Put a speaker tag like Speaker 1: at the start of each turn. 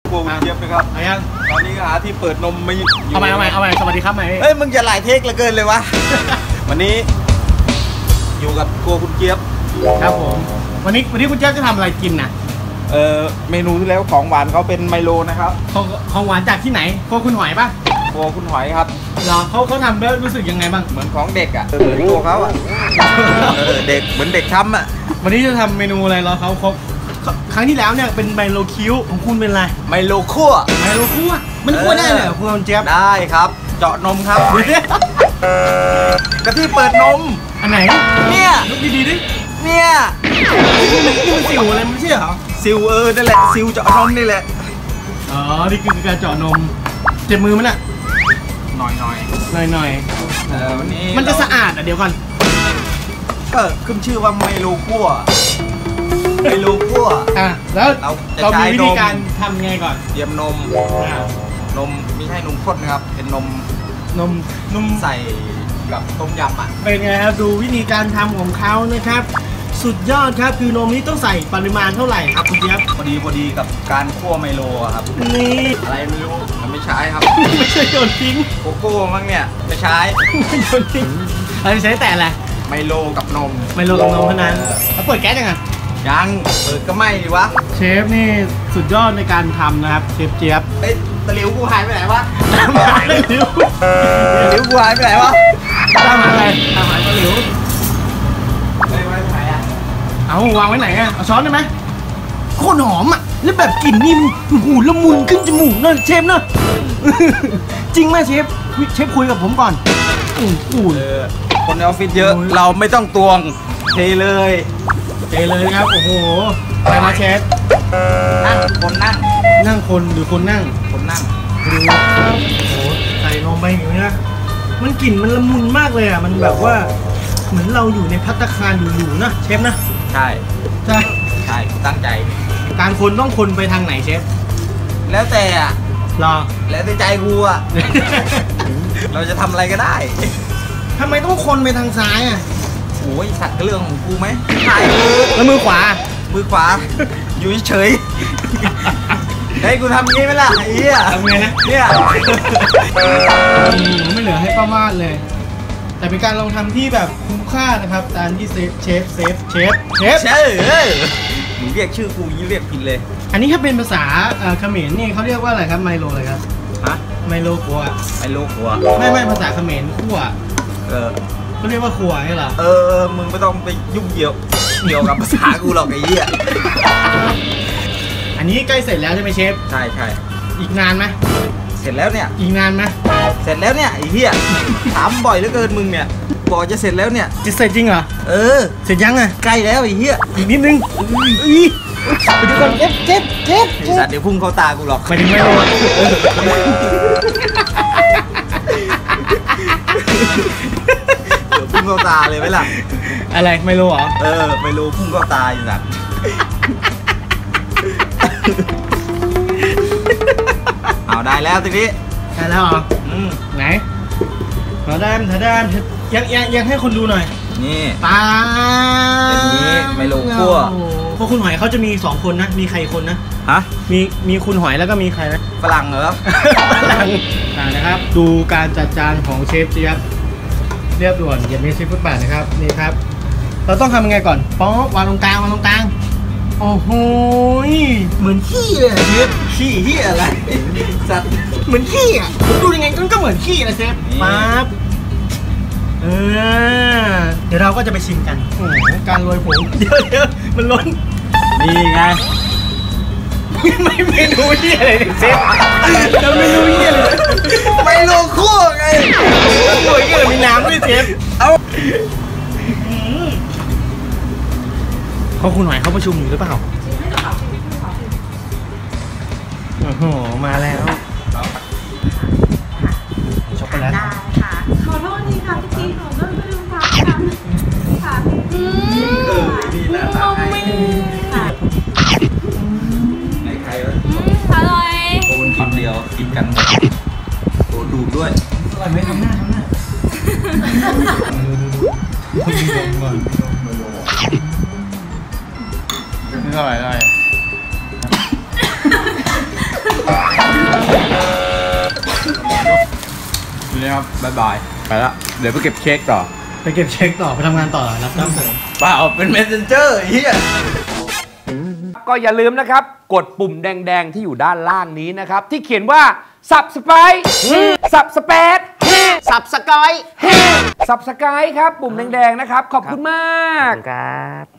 Speaker 1: โอ้เจี๊ยบนะครับตอนนี้หาที่เปิดนมไม่
Speaker 2: เอาใหม่สวัสดีครับใหม่
Speaker 1: เฮ้ยมึงจะหลายเทคเหลือเกินเลยวะ วันนี้อยู่กับครัวคุณเจี๊ยบ
Speaker 2: ครับผมวันนี้คุณเจี๊ยบจะทำอะไรกินนะ
Speaker 1: เมนูที่แล้วของหวานเขาเป็นไมโลนะครับ
Speaker 2: ของหวานจากที่ไหนครัวคุณหอยป่ะ
Speaker 1: ครัวคุณหอยครับ
Speaker 2: เหรอเขาทำแล้วรู้สึกยังไงบ้าง
Speaker 1: เหมือนของเด็กอ่ะเหมือนตัวเขาอ่ะเด็กเหมือนเด็กช้ำอ่ะ
Speaker 2: วันนี้จะทำเมนูอะไรรอเขาครบครั้งที่แล้วเนี่ยเป็นไมโลคิ้วของคุณเป็นอะไร
Speaker 1: ไมโลคั่ว
Speaker 2: มันคั่วได้เหรอคุณเจี๊ยบ
Speaker 1: ได้ครับเจาะนมครับกะทิเปิดนม
Speaker 2: อันไหน
Speaker 1: เนี่ย
Speaker 2: ลุกดีดิ
Speaker 1: เนี่ย
Speaker 2: นี่มันสิวอะไรไม่ใช่เหรอ
Speaker 1: ซิวนั่นแหละซิวเจาะนมนี่แหละ
Speaker 2: อ๋อนี่คือการเจาะนมเจ็บมือมันอ่ะ
Speaker 1: หน่อย
Speaker 2: วันนี้มันจะสะอาดอ่ะเดี๋ยวก่อน
Speaker 1: ก็ขึ้นชื่อว่าไมโลคั่ว
Speaker 2: แล้วเรามีวิธีการทำไงก่อน
Speaker 1: เตรียมนมไม่ใช่นมข้นนะครับเป็นนมใส่กับต้มยำอ่ะ
Speaker 2: เป็นไงครับดูวิธีการทำของเขานะครับสุดยอดครับคือนมนี้ต้องใส่ปริมาณเท่าไหร่ครับคุณเจี๊ยบ
Speaker 1: พอดีกับการคั่วไมโลครับ
Speaker 2: นี่
Speaker 1: อะไรไม่รู้มันไม่ใช้ครับ
Speaker 2: ไม่ใช่โยนทิ้ง
Speaker 1: โกโก้มั้งเนี่ยไม่ใช้
Speaker 2: ไม่โยนทิ้งอะไรใช้แต่อะไร
Speaker 1: ไมโลกับนม
Speaker 2: เท่านั้นแล้วเปิดแก๊สยังไง
Speaker 1: ยังเปิดก็ไม่ดีวะ
Speaker 2: เชฟนี่สุดยอดในการทำนะครับเชฟเจี๊ยบ
Speaker 1: ตะหลิวกูหายไปไหนวะตะหลิวกูหายไปไหนวะ
Speaker 2: ตามหาอะไรตามหาตะหลิว
Speaker 1: ไว้ไหนอ่ะ
Speaker 2: เอาวางไว้ไหนอ่ะเอาช้อนได้ไหมโคตรหอมอ่ะแล้วแบบกลิ่นนี่มันหูละมุนขึ้นจมูกเนอะเชฟเนอะจริงไหมเชฟคุยกับผมก่อน
Speaker 1: คนในออฟฟิศเยอะเราไม่ต้องตวงเทเลย
Speaker 2: ครับโอ้โหไปมาเชฟ
Speaker 1: นั่ง
Speaker 2: คนหรือคนนั่ง
Speaker 1: ดู
Speaker 2: โอ้โหใส่ลงไปอย่างนี้นะมันกลิ่นมันละมุนมากเลยอ่ะมันแบบว่าเหมือนเราอยู่ในภัตตาคารอยู่นะเชฟนะ
Speaker 1: ใช่ตั้งใจ
Speaker 2: การคนต้องคนไปทางไหนเชฟ
Speaker 1: แล้วแต่อ่ะ
Speaker 2: รอ
Speaker 1: แล้วแต่ใจกูอ่ะ เราจะทำอะไรก็ได้
Speaker 2: ทำไมต้องคนไปทางซ้ายอ่ะ
Speaker 1: โอ้ยสัตว์เรื่องของกูไหมถ่าย
Speaker 2: แล้วมือขวา
Speaker 1: อยู่เฉยให้กูทำงี้ไหมล่ะไอ้เหี้ย
Speaker 2: ทำไงนะ
Speaker 1: เนี่ย
Speaker 2: ไม่เหลือให้ป้ามาดเลยแต่เป็นการลองทำที่แบบคุ้มค่านะครับตามที่เชฟ
Speaker 1: มึงเรียกชื่อกูยิ่งเรียกผิดเลย
Speaker 2: อันนี้ถ้าเป็นภาษาเขมรนี่เขาเรียกว่าอะไรครับไมโลอะไรครับไมโลขัวไม่ภาษาเขมรขั่วเขาเรียกว่าขัวใช่เหรอ
Speaker 1: มึงไม่ต้องไปยุ่งเกี่ยวกับภาษากูหรอกไอ้เหี้ย
Speaker 2: อันนี้ใกล้เสร็จแล้วใช่ไหมเชฟ
Speaker 1: ใช่
Speaker 2: อีกนานไหม
Speaker 1: เสร็จแล้วเนี่ย
Speaker 2: อีกนานไหม
Speaker 1: เสร็จแล้วเนี่ยไอ้เหี้ยถามบ่อยเหลือเกินมึงเนี่ยบอกจะเสร็จแล้วเนี่ย
Speaker 2: จะเสร็จจริงเหรอเสร็จยังไง
Speaker 1: ใกล้แล้วไอ้เหี้ย
Speaker 2: อีกนิดนึงไปดูก่อนเจ็บ
Speaker 1: สัตว์เดี๋ยวพุ่งเข้าตากูหรอก
Speaker 2: ไม่ถึงไม่โดน
Speaker 1: เดี๋ยวพุ่งเข้าตาเลยไหมล่ะ
Speaker 2: อะไรไม่รู้เหรอ
Speaker 1: ไม่รู้พุ่งเข้าตาอยู่สัตว์เอาได้แล้วทีนี้
Speaker 2: ได้แล้วเหรอไหนถาดามยังให้คนดูหน่อย
Speaker 1: นี่
Speaker 2: ปลา
Speaker 1: เป็นนี้ไมโลคั่ว
Speaker 2: เพราะคุณหอยเขาจะมี2คนนะมีใครคนนะมีคุณหอยแล้วก็มีใครนะ
Speaker 1: ฝรั่งเหรอ
Speaker 2: นะครับดูการจัดจานของเชฟเจี๊ยบเรียบด่วนอย่ามีเชฟฟุตบาทนะครับนี่ครับเราต้องทำยังไงก่อนป๊อกวางตรงกลางโอ้โหเหมือนขี้เลยเชฟ
Speaker 1: ขี้ที่อะไรสัตว์
Speaker 2: เหมือนขี้อ่ะผมดูยังไงก็เหมือนขี้นะเชฟปั๊บเดี๋ยวเราก็จะไปชิมกันโอ้โหการโรยผงเดี๋ยวมันล้น
Speaker 1: นี่ไง
Speaker 2: ไม่เมนูที่อะไรเนี่ยเชฟจะเมนูที่อะไร
Speaker 1: ไมโลคั่วไง
Speaker 2: โอ้ยก็เลยมีน้ำด้วยเชฟเขาคุณหอยเขาประชุมอยู่หรือเปล่าโอ้โหมาแล้วช็อกโกแลต
Speaker 3: ขอโทษทีค่ะพี่หนูก็ไม่รู้ค่ะ
Speaker 1: ดีนะใครวะ
Speaker 3: อร่อย
Speaker 1: โอนคำเดียวกินกันโอ้ดูด้วย
Speaker 2: อร่อยไหมทำหน้านี่เท่าไหร่
Speaker 1: นี้ครับบ๊ายบายไปละเดี๋ยวไปเก็บเช็คต่อ
Speaker 2: ไปเก็บเช็คต่อไปทำงานต่อรับจ้างเสริม
Speaker 1: เปล่าเป็น messenger เฮีย
Speaker 4: ก็อย่าลืมนะครับกดปุ่มแดงๆที่อยู่ด้านล่างนี้นะครับที่เขียนว่า subscribe subscribe
Speaker 2: subscribe
Speaker 4: ครับปุ่มแดงๆนะครับขอบคุณมาก
Speaker 2: ครับ